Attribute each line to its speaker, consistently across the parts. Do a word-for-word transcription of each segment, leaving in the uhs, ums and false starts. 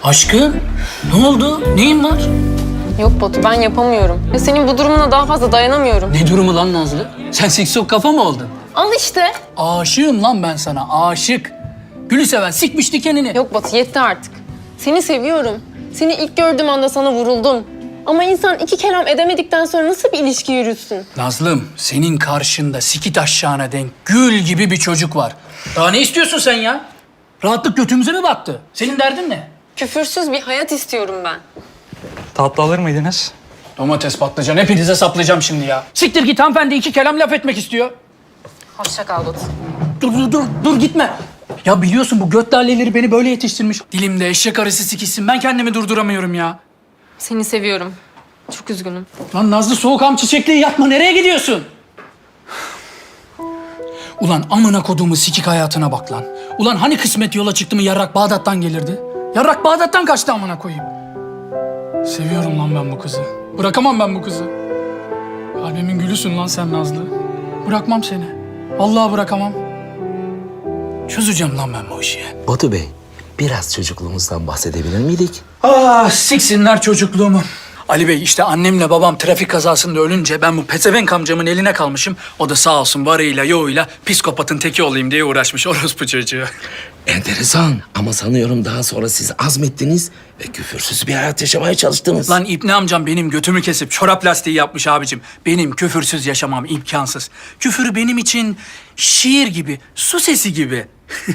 Speaker 1: Aşkım, ne oldu? Neyin var?
Speaker 2: Yok Batu, ben yapamıyorum. Ya senin bu durumuna daha fazla dayanamıyorum.
Speaker 1: Ne durumu lan Nazlı? Sen siksok kafa mı oldun?
Speaker 2: Al işte.
Speaker 1: Aşığım lan ben sana, aşık. Gülü seven sikmiş dikenini.
Speaker 2: Yok Batu, yetti artık. Seni seviyorum. Seni ilk gördüğüm anda sana vuruldum. Ama insan iki kelam edemedikten sonra nasıl bir ilişki yürütsün?
Speaker 1: Nazlım, senin karşında sikit aşağına denk gül gibi bir çocuk var. Daha ne istiyorsun sen ya? Rahatlık götümüze mi battı? Senin derdin ne?
Speaker 2: Küfürsüz bir hayat istiyorum ben.
Speaker 3: Tatlı alır mıydınız?
Speaker 1: Domates, patlıcan, hepinize saplayacağım şimdi ya. Siktir git, hanımefendi iki kelam laf etmek istiyor.
Speaker 2: Hoşça kal Batu.
Speaker 1: Dur, dur, dur, dur gitme. Ya biliyorsun bu göt laleleri beni böyle yetiştirmiş. Dilimde eşek arısı sikişsin, ben kendimi durduramıyorum ya.
Speaker 2: Seni seviyorum. Çok üzgünüm.
Speaker 1: Lan Nazlı, soğukam çiçekliği yapma, nereye gidiyorsun? Ulan amına koduğumu sikik hayatına bak lan. Ulan hani kısmet yola çıktı mı yarrak Bağdat'tan gelirdi? Yarrak Bağdat'tan kaçtı amına koyayım. Seviyorum lan ben bu kızı. Bırakamam ben bu kızı. Kalbimin gülüsün lan sen Nazlı. Bırakmam seni. Vallahi bırakamam. Çözeceğim lan ben bu işi.
Speaker 4: Batu Bey, biraz çocukluğumuzdan bahsedebilir miydik?
Speaker 1: Ah siksinler çocukluğumu. Ali Bey, işte annemle babam trafik kazasında ölünce ben bu pezevenk amcamın eline kalmışım. O da sağ olsun varıyla yoğuyla psikopatın teki olayım diye uğraşmış orospu çocuğu.
Speaker 4: Enteresan ama sanıyorum daha sonra siz azmettiniz ve küfürsüz bir hayat yaşamaya çalıştınız.
Speaker 1: Lan İbni amcam benim götümü kesip çorap lastiği yapmış abicim. Benim küfürsüz yaşamam imkansız. Küfür benim için şiir gibi, su sesi gibi.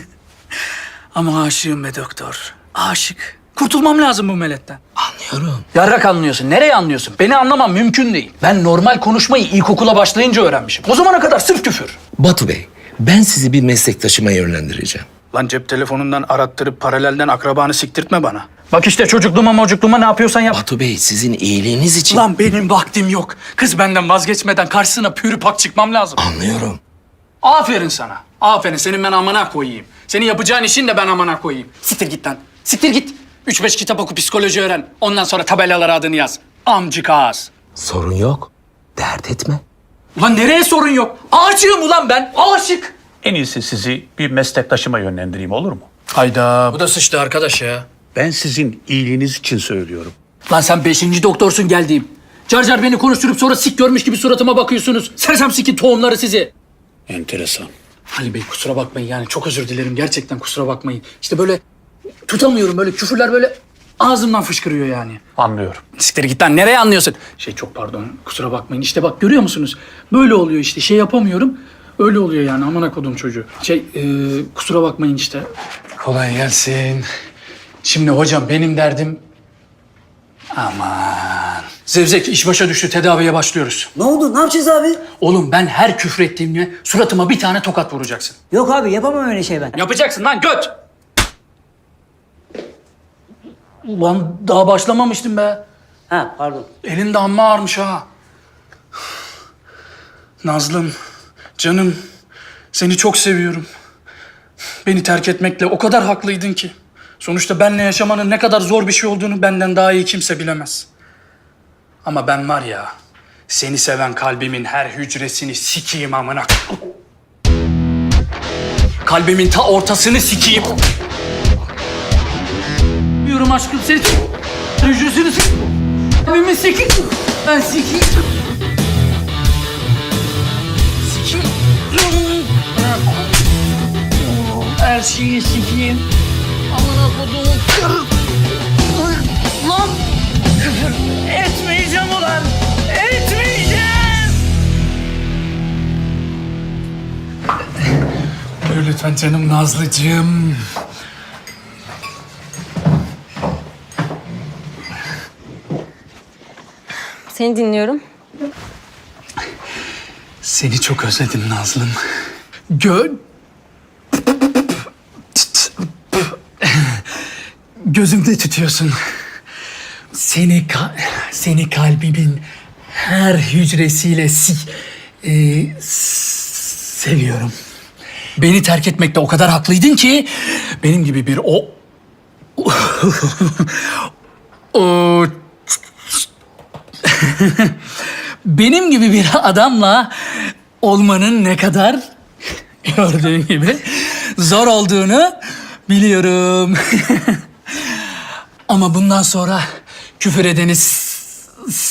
Speaker 1: Ama aşığım be doktor, aşık. Kurtulmam lazım bu meletten.
Speaker 4: Anlıyorum.
Speaker 1: Yarrak anlıyorsun. Nereye anlıyorsun? Beni anlamam mümkün değil. Ben normal konuşmayı ilkokula başlayınca öğrenmişim. O zamana kadar sırf küfür.
Speaker 4: Batu Bey, ben sizi bir meslektaşıma yönlendireceğim.
Speaker 1: Lan cep telefonundan arattırıp paralelden akrabanı siktirtme bana. Bak işte çocukluğuma mocukluğuma ne yapıyorsan yap.
Speaker 4: Batu Bey, sizin iyiliğiniz için...
Speaker 1: Lan benim vaktim yok. Kız benden vazgeçmeden karşısına pürü pak çıkmam lazım.
Speaker 4: Anlıyorum.
Speaker 1: Aferin sana. Aferin. Senin ben amana koyayım. Senin yapacağın işin de ben amana koyayım. Siktir git lan. Siktir git. Üç beş kitap oku, psikoloji öğren. Ondan sonra tabelalara adını yaz. Amcık ağız.
Speaker 4: Sorun yok. Dert etme.
Speaker 1: Ulan nereye sorun yok? Aşığım ulan ben. Aşık.
Speaker 5: En iyisi sizi bir meslektaşıma yönlendireyim, olur mu?
Speaker 1: Hayda. Bu da sıçtı arkadaş ya.
Speaker 5: Ben sizin iyiliğiniz için söylüyorum.
Speaker 1: Lan sen beşinci doktorsun geldiğim. Car car beni konuşturup sonra sik görmüş gibi suratıma bakıyorsunuz. Sersem sikin tohumları sizi.
Speaker 5: Enteresan.
Speaker 1: Ali Bey kusura bakmayın yani çok özür dilerim. Gerçekten kusura bakmayın. İşte böyle tutamıyorum, böyle küfürler böyle ağzımdan fışkırıyor yani.
Speaker 5: Anlıyorum.
Speaker 1: Siktir git lan, nereye anlıyorsun? Şey çok pardon, kusura bakmayın. İşte bak görüyor musunuz? Böyle oluyor işte, şey yapamıyorum. Öyle oluyor yani, amına kodum çocuğu. Şey e, kusura bakmayın işte. Kolay gelsin. Şimdi hocam benim derdim... Aman. Zevzek iş başa düştü, tedaviye başlıyoruz.
Speaker 6: Ne oldu? Ne yapacağız abi?
Speaker 1: Oğlum ben her küfrettiğimde suratıma bir tane tokat vuracaksın.
Speaker 6: Yok abi yapamam öyle şey ben.
Speaker 1: Yapacaksın lan göt! Ulan daha başlamamıştım be.
Speaker 6: Ha pardon.
Speaker 1: Elin de amma ağırmış ha. Nazlım, canım, seni çok seviyorum. Beni terk etmekle o kadar haklıydın ki. Sonuçta benle yaşamanın ne kadar zor bir şey olduğunu benden daha iyi kimse bilemez. Ama ben var ya, seni seven kalbimin her hücresini sikeyim amına. Kalbimin ta ortasını sikeyim. Diyorum aşkım seni hücresini sikeyim. Kalbimin sikeyim. Ben sikeyim. Sikeyim. Her şeyi sikeyim. Amına koduğum. Lan! Küfür etmeyeceğim ulan! Etmeyeceğim! Buyur lütfen canım Nazlıcığım.
Speaker 2: Seni dinliyorum.
Speaker 1: Seni çok özledim Nazlım. Gö... Gözümde tutuyorsun. Seni ka- seni kalbimin her hücresiyle si e, s- seviyorum. Beni terk etmekte o kadar haklıydın ki benim gibi bir o o benim gibi bir adamla olmanın ne kadar gördüğün gibi zor olduğunu biliyorum. Ama bundan sonra küfür edeni s-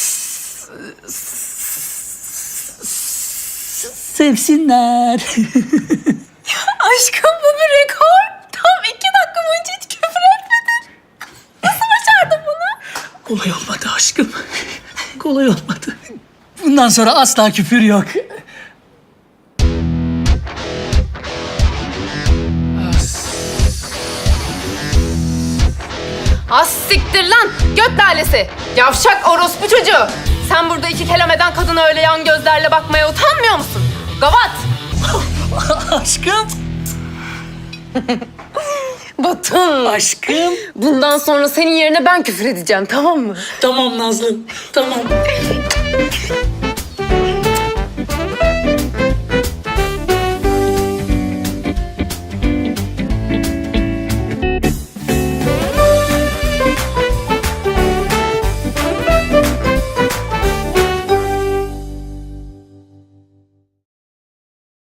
Speaker 1: s- sevsinler.
Speaker 2: Aşkım bu bir rekor. Tam iki dakika boyunca hiç küfür etmedin. Nasıl başardın bunu?
Speaker 1: Kolay olmadı aşkım. Kolay olmadı. Bundan sonra asla küfür yok.
Speaker 2: Az siktir lan göt lalesi. Yavşak orospu çocuğu. Sen burada iki kelam eden kadına öyle yan gözlerle bakmaya utanmıyor musun? Gavat.
Speaker 1: Aşkım.
Speaker 2: Batın.
Speaker 1: Aşkım.
Speaker 2: Bundan sonra senin yerine ben küfür edeceğim, tamam mı?
Speaker 1: Tamam Nazlı. Tamam.